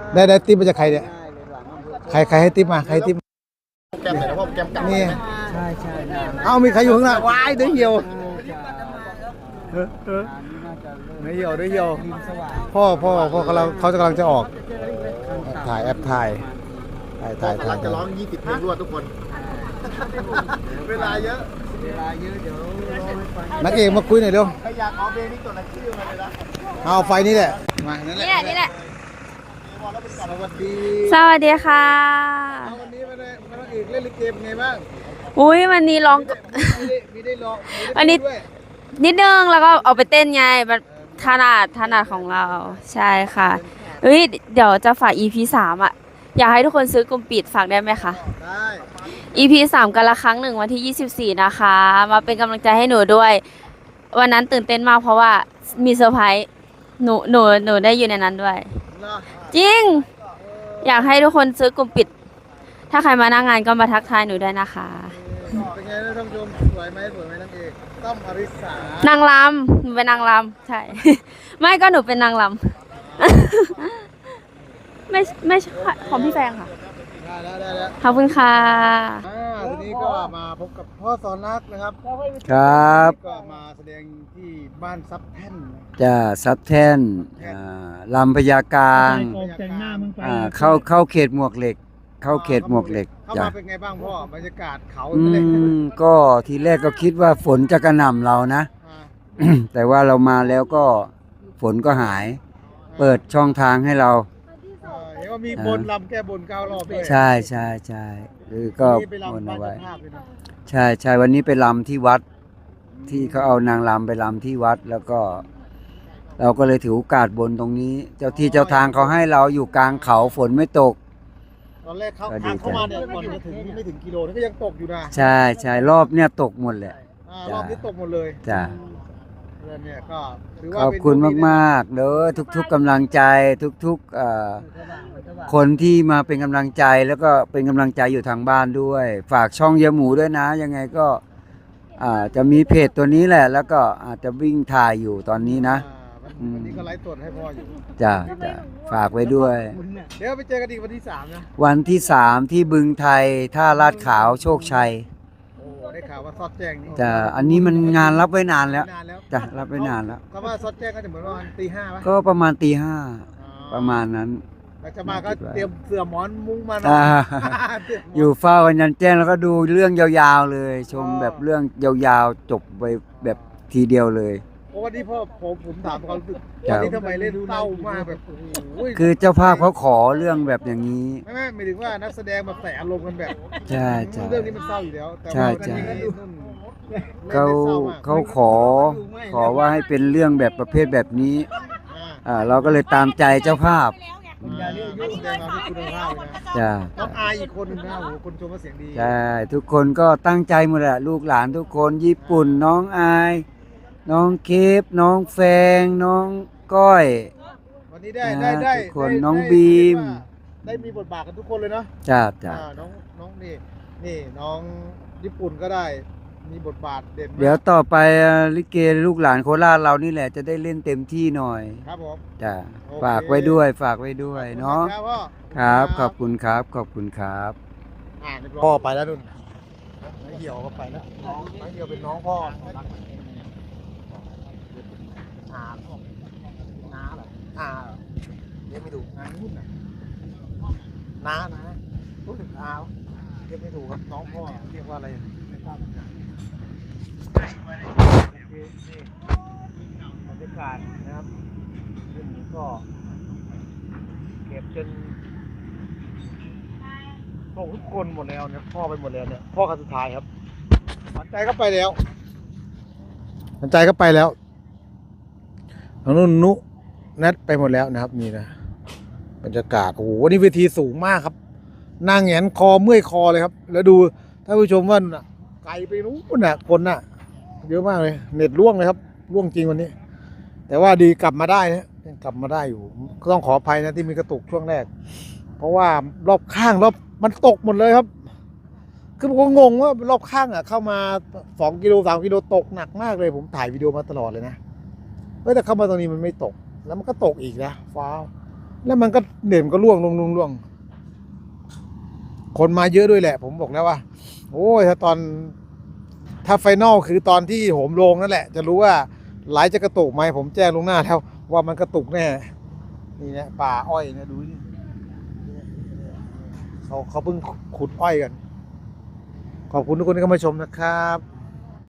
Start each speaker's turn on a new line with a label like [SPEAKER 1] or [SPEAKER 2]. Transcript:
[SPEAKER 1] ได้ติ๊บมาจากใครเนี่ยใครให้ติ๊บมาใครติ๊บ
[SPEAKER 2] แก้มไหนนะพ่อแก้มกลับ
[SPEAKER 1] นี่
[SPEAKER 3] ใช่ใช่
[SPEAKER 1] เอามีใครอยู่ข้างหน้าวายเดี๋ยวเหี่ยวเหี่ยวพ่อเขากำลังจะออกถ่ายแอปถ่าย
[SPEAKER 2] จะร้อง20เพลงรวดทุกคนเวลาเยอะ
[SPEAKER 3] เดี๋ยว
[SPEAKER 1] นักเอกมาคุยหน่อยเร็ว
[SPEAKER 2] ใครอยากขอเพลงนี้ตัวไหนชื่อมาเลยนะ
[SPEAKER 1] เอาไฟนี่แหละมานั่นแหละ
[SPEAKER 4] นี่แหละ
[SPEAKER 1] สวัสดี
[SPEAKER 4] ค่ะ
[SPEAKER 1] วันนี้มานักเอกเล่นลิเกเป็นไงบ้าง
[SPEAKER 4] อุ้ยวันนี้ร้อง
[SPEAKER 1] มีได้ร้อง
[SPEAKER 4] วันนี้นิดนึงแล้วก็เอาไปเต้นไงแบบถนัดของเราใช่ค่ะเฮ้ยเดี๋ยวจะฝาก EP 3อ่ะอยากให้ทุกคนซื้อกลุ่มปิดฝากได้ไหมคะ
[SPEAKER 1] ได้
[SPEAKER 4] EP 3กันละครั้งหนึ่งวันที่24นะคะมาเป็นกำลังใจให้หนูด้วยวันนั้นตื่นเต้นมากเพราะว่ามีเซอร์ไพรส์หนูได้อยู่ในนั้นด้วยจริงอยากให้ทุกคนซื้อกลุ่มปิดถ้าใครมาหน้างานก็มาทักทายหนูได้นะคะ
[SPEAKER 1] เป็นไงท่านผู้ชมสวยไหมนางเอกต้อมอริสาน
[SPEAKER 4] างรำหนูเป็นนางรำใช่ ไม่ก็หนูเป็นนางรำ ไม่ใช่ของพี่แฟงค่ะ
[SPEAKER 1] ได้
[SPEAKER 4] ขอบคุณค่ะ
[SPEAKER 1] ทีนี้ก็มาพบกับพ่อสอนรักนะครับ
[SPEAKER 5] ครับ
[SPEAKER 1] ก็มาแสดงที่บ้านซับแท่น
[SPEAKER 5] จะซับแท่นลำพญากลางเข้าเขตหมวกเหล็กเข้า
[SPEAKER 1] มาเป็นไงบ้างพ่อบรรยากาศเขา
[SPEAKER 5] ก็ทีแรกก็คิดว่าฝนจะกระหน่ำเรานะ แต่ว่าเรามาแล้วก็ฝนก็หายเปิดช่องทางให้เรา
[SPEAKER 1] เห็นว่ามีบนลำแก้บน9 รอบด้วย
[SPEAKER 5] ใช่คือก็บนเอาไว้ใช่วันนี้ไปลำที่วัดที่เขาเอานางลำไปลำที่วัดแล้วก็เราก็เลยถือโอกาสบนตรงนี้เจ้าที่เจ้าทางเขาให้เราอยู่กลางเขาฝนไม่ตก
[SPEAKER 1] ตอนแรกทางเข้ามาเนี่ยก่อนจะถึงไม่ถึงกิโลนี่ก็ยังตกอยู่นะ
[SPEAKER 5] ใช่รอบเนี่ยตกหมดแหละ
[SPEAKER 1] รอบนี้ตกหมดเลย
[SPEAKER 5] จ้ะ
[SPEAKER 1] เนี่ยก็
[SPEAKER 5] ขอบคุณมากๆเด้อทุกๆกำลังใจทุกๆคนที่มาเป็นกำลังใจแล้วก็เป็นกำลังใจอยู่ทางบ้านด้วยฝากช่องเยหมูด้วยนะยังไงก็จะมีเพจตัวนี้แหละแล้วก็อาจจะวิ่งถ่ายอยู่ตอนนี้นะ
[SPEAKER 1] วันนี้ก็ไลฟ์สดให้พ่ออยู่
[SPEAKER 5] จ้ะฝากไว้ด้วย
[SPEAKER 1] เดี๋ยวไปเจอกันอีกวันที่3นะ
[SPEAKER 5] วันที่3ที่บึงไทยท่าลาดขาวโชคชัย
[SPEAKER 1] ได้ข่าวว่าซอดแจ้งนี่
[SPEAKER 5] จ้ะอันนี้มันงานรับไว้นานแล้วจ้ะรับไว้นานแล้ว
[SPEAKER 1] ก็ว่าซอดแจ้งก็จะเหมือนว่าตี 5ป่ะ
[SPEAKER 5] ก็ประมาณตี 5ประมาณนั้น
[SPEAKER 1] จะมาก็เตรียมเสื่อหมอนมุ้งมา
[SPEAKER 5] อยู่เฝ้าวันยันแจ้งแล้วก็ดูเรื่องยาวๆเลยชมแบบเรื่องยาวๆจบไปแบบทีเดียวเลย
[SPEAKER 1] วันนี้พ่อผมถามความรู้สึกวันนี้ทำไมเล่นเศร้ามากแบบ
[SPEAKER 5] คือเจ้าภาพเขาขอเรื่องแบบอย่างนี้
[SPEAKER 1] ไม่หมายถึงว่านักแสดงมาแต่อารมณ์กันแบบ
[SPEAKER 5] ใช่
[SPEAKER 1] เรื่องนี้มันเศร้าอยู่แล้วแต่
[SPEAKER 5] ว่าเขาขอว่าให้เป็นเรื่องแบบประเภทแบบนี้เราก็เลยตามใจเจ้าภาพ
[SPEAKER 1] จ้าน้องอายอีกคนนึงนะโหคนชมว่าเสียงดี
[SPEAKER 5] ใช่ทุกคนก็ตั้งใจหมดแหละลูกหลานทุกคนญี่ปุ่นน้องอายน้องเคฟน้องแฟงน้องก้อย
[SPEAKER 1] วันนี้ได้
[SPEAKER 5] ทุกคนน้องบีม
[SPEAKER 1] ได้มีบทบาทกันทุกคนเลยเนาะ
[SPEAKER 5] จ้า
[SPEAKER 1] น้องนี่น้องญี่ปุ่นก็ได้มีบทบาทเด่น
[SPEAKER 5] เดี๋ยวต่อไปลิเกลูกหลานโคราชเรานี่แหละจะได้เล่นเต็มที่หน่อย
[SPEAKER 1] ครับผม
[SPEAKER 5] จ้าฝากไว้ด้วยเนาะครับขอบคุณครับ
[SPEAKER 1] พ่อไปแล้วนุ่นน้องเหี่ยวก็ไปแล้วน้องเหี่ยวเป็นน้องพ่อน้าเหรอเรียกไม่ถูกน้านุ่นน่ะน้ารู้สึกเรียกไม่ถูกครับน้องพ่อเรียกว่าอะไรไม่ทราบนี่บรรยากาศนะครับซึ่งก็เก็บจนพวกทุกคนหมดแล้วเนี่ยพ่อไปหมดแล้วเนี่ยพ่อคนสุดท้ายครับหวานใจก็ไปแล้วทางนู้นนุนัดไปหมดแล้วนะครับนี่นะบรรยากาศโอ้โหวันนี้เวทีสูงมากครับนั่งแหงนคอเมื่อยคอเลยครับแล้วดูท่านผู้ชมว่าไกลไปนู้นน่ะคนน่ะเยอะมากเลยเน็ตล่วงเลยครับล่วงจริงวันนี้แต่ว่าดีกลับมาได้นะกลับมาได้อยู่ก็ต้องขออภัยนะที่มีกระตุกช่วงแรกเพราะว่ารอบข้างมันตกหมดเลยครับคือผมก็งงว่ารอบข้างเข้ามา2 กิโล 3 กิโลตกหนักมากเลยผมถ่ายวิดีโอมาตลอดเลยนะแต่เข้ามาตรงนี้มันไม่ตกแล้วมันก็ตกอีกนะฟ้าแล้วมันก็เด่นก็ร่วงล่วงคนมาเยอะด้วยแหละ ผมบอกแล้วว่า โอ้ยถ้าไฟนอลคือตอนที่โหมลงนั่นแหละ จะรู้ว่าไหลจะกระตุกไหมผมแจ้งลวงหน้าแล้วว่ามันกระตุกแน่นี่เนี่ยป่าอ้อยนะดูนี่เขาเพิ่งขุดอ้อยกัน ขอบคุณทุกคนที่เข้ามาชมนะครับ